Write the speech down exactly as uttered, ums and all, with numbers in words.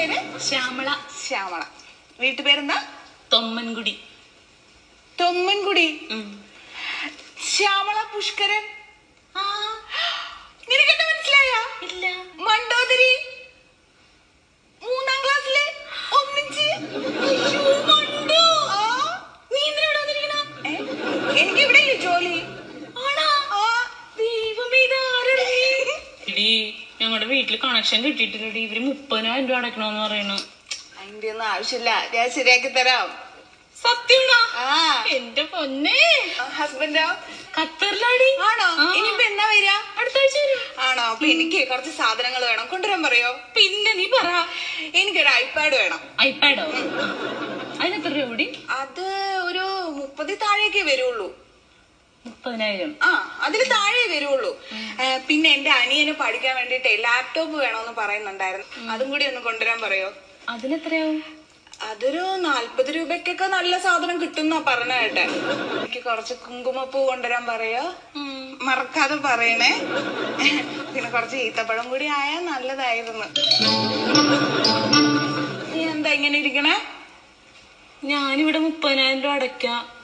പേര്? ശ്യാമള. ശ്യാമള. വീട്ടുപേരെന്താ? തൊമ്മൻകുടി. തൊമ്മൻകുടി. ശ്യാമള പുഷ്കരൻ. നിനക്കെന്താ മനസ്സിലായ? ഇല്ല. മണ്ടോദരി മൂന്നാം ക്ലാസ്സിലെ ഒന്നിച്ച്. നീ എന്തിനാ വന്നിരിക്കണ? എനിക്ക് ഇവിടെ ജോലി. ഞങ്ങളുടെ വീട്ടില് കണക്ഷൻ കിട്ടിയിട്ടില്ലടി. ഇവര് മുപ്പതിനായിരം രൂപ അടക്കണോന്ന് പറയണു. അതിന്റെ ഒന്നും ആവശ്യമില്ല, ഞാൻ ശരിയാക്കി തരാം. സത്യമാണോ? എന്റെ പൊന്നെ. ഹസ്ബൻഡോ? ഖത്തറിലാടി. ആണോ? ഇനിയിപ്പോ എന്നാ വരിക? അടുത്ത ആഴ്ച വരും. ആണോ? അപ്പൊ എനിക്ക് കുറച്ച് സാധനങ്ങൾ വേണം, കൊണ്ടുവരാൻ പറയോ? പിന്നെ നീ പറ. എനിക്കൊരു ഐപാഡ് വേണം. ഐപാഡോ? അതിനെത്ര രൂപ കൂടി? അത് ഒരു മുപ്പതി താഴേക്കേ വരുള്ളൂ. മുപ്പതിനായിരം? ആ, അതിന് താഴെ വരുള്ളൂ. പിന്നെ എന്റെ അനിയന് പഠിക്കാൻ വേണ്ടിട്ട് ലാപ്ടോപ്പ് വേണോന്ന് പറയുന്നുണ്ടായിരുന്നു, അതും കൂടി ഒന്ന് കൊണ്ടുവരാൻ പറയോ? അതിനെത്രയാവും? അതൊരു നാല്പത് രൂപക്കൊക്കെ നല്ല സാധനം കിട്ടുന്ന പറഞ്ഞ കേട്ടെ. എനിക്ക് കുറച്ച് കുങ്കുമപ്പൂ കൊണ്ടുവരാൻ പറയോ? മറക്കാതെ പറയണേ. പിന്നെ കുറച്ച് ഈത്തപ്പഴം കൂടി ആയാൽ നല്ലതായിരുന്നു. നീ എന്താ ഇങ്ങനെ ഇരിക്കണേ? ഞാനിവിടെ മുപ്പതിനായിരം രൂപ അടയ്ക്കാം.